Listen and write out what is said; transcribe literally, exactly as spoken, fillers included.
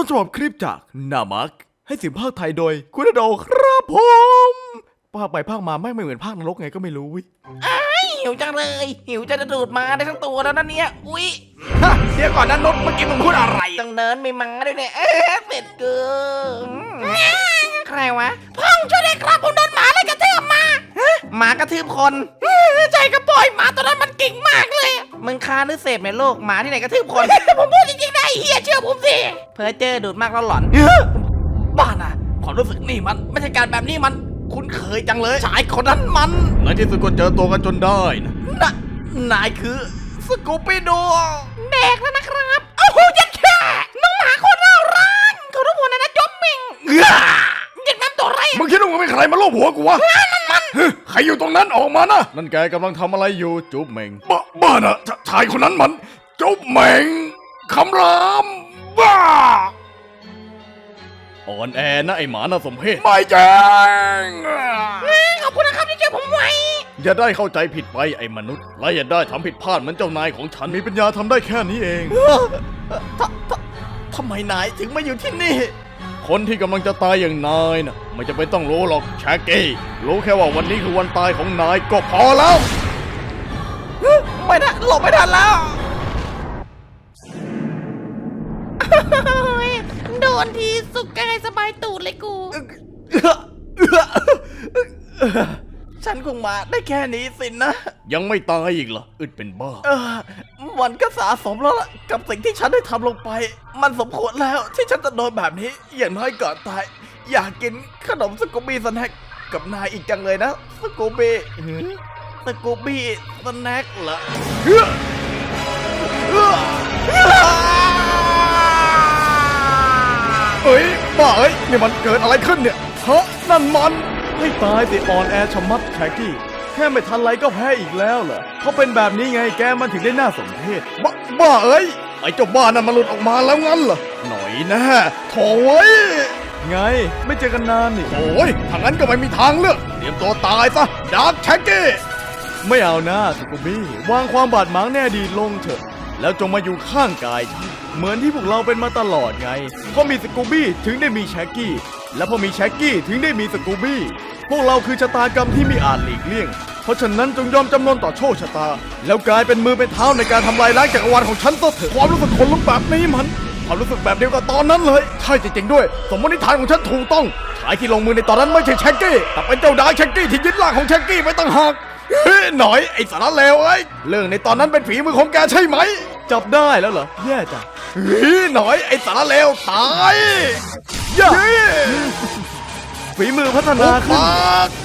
ฉบับคลิปจากนามักให้เสียงภาคไทยโดยคุณโดครับผมภาคไปภาคมาไม่เหมือนภาคนรกไงก็ไม่รู้วิหิวจังเลยหิวจะดูดมาได้ทั้งตัวแล้วนะเนี่ยอุ้ยฮะเดี๋ยวก่อนนะนดเมื่อกี้มึงพูดอะไรต้องเดินไม่มาด้วยเนี่ยเอ๊ะเสร็จเกินใครวะพ่องช่วยได้ครับผมโดนหมาเลยกระทืบมาหมากระทืบคนใจกระปอยหมาตัวนั้นมันเก่งมากเลยมึงคาหรือเสพในโลกหมาที่ไหนกระทืบคนผมพูดจริงๆได้เฮียเชื่อผมสิเพอเจอดูดมากแล้วหลอนบ้านะความรู้สึกนี่มันไม่ใช่การแบบนี้มันคุ้นเคยจังเลยชายคนนั้นมันในที่สุดก็เจอตัวกันจนได้นะนะนายคือสกูปี้โดแดกแล้วนะครับโอ้โหยัดแค่น้องหมาคนน่ารักเขาทุกคนนะนะจอมมิงยัดแม่ตัวไรมึงคิดว่ามึงเป็นใครมาโลภหัวกูวะนั่นมันใครอยู่ตรงนั้นออกมานะนั่นแกกำลังทำอะไรอยู่จุ๊บเมงบ้าบ้านะชายคนนั้นมันจุ๊บเมงคำรามบ้าอ่อนแอนะไอหมาน่าสมเพชไม่แจ้งขอบคุณนะครับที่เจอผมไว้อย่าได้เข้าใจผิดไปไอ้มนุษย์และอย่าได้ทำผิดพลาดเหมือนเจ้านายของฉันมีปัญญาทำได้แค่นี้เองทำไมนายถึงมาอยู่ที่นี่คนที่กำลังจะตายอย่างนายน่ะไม่จำเป็นต้องรู้หรอกแชกกี้รู้แค่ว่าวันนี้คือวันตายของนายก็พอแล้วไม่ทันหลบไม่ทันแล้วโดนทีสุกกายสบายตูดเลยกูฉันคงมาได้แค่นี้สินะยังไม่ตายอีกเหรออึดเป็นบ้าเออมันก็สะสมแล้วล่ะกับสิ่งที่ฉันได้ทำลงไปมันสมควรแล้วที่ฉันจะโดนแบบนี้อย่างน้อยก่อนตายอยากกินขนมสกูบี้สแน็คกับนายอีกจังเลยนะสกูบี้สกูบี้สแน็คเหรอเอ้ยบ้าเอ้ยนี่มันเกิดอะไรขึ้นเนี่ยฮะนั่นมันให้ตายสิอ่อนแอชะมัดแชกกี้แค่ไม่ทันไรก็แพ้อีกแล้วเหรอเขาเป็นแบบนี้ไงแกมันถึงได้น่าสมเพชบ้าบ้าเอ้ยไอ้เจ้าบ้านั่นมันหลุดออกมาแล้วงั้นเหรอหน่อยนะโถ่เว้ยไงไม่เจอกันนานนี่โอ้ยถ้างั้นก็ไม่มีทางเลือกเตรียมตัวตายซะดาร์คแชกกี้ไม่เอานะสกูบี้วางความบาดหมางแน่ดีลงเถอะแล้วจงมาอยู่ข้างกายฉันเหมือนที่พวกเราเป็นมาตลอดไงเพราะมีสกูบี้ถึงได้มีแชกกี้และพอมีแชกกี้ถึงได้มีสกูบี้พวกเราคือชะตากรรมที่ไม่อาจหลีกเลี่ยงเพราะฉะนั้นจงยอมจำนนต่อโชคชะตาแล้วกลายเป็นมือเป็นเท้าในการทำลายล้างจักรวาลของฉันซะเถอะความรู้สึกคนลุกแบบนี้มันความรู้สึกแบบเดียวกับตอนนั้นเลยใช่จริงๆด้วยสมมติฐานของฉันถูกต้องชายที่ลงมือในตอนนั้นไม่ใช่แชกกี้แต่เป็นเจ้าดาร์คแชกกี้ที่ยึดร่างของแชกกี้ไว้ตั้งหากเฮ้ยหน่อยไอ้สารเลวเอ้ยเรื่องในตอนนั้นเป็นฝีมือของแกใช่ไหมจับได้แล้วเหรอแย่จังเฮ้ยหน่อยไอ้สารเลวตายย่าฝีมือพัฒนาขึ้น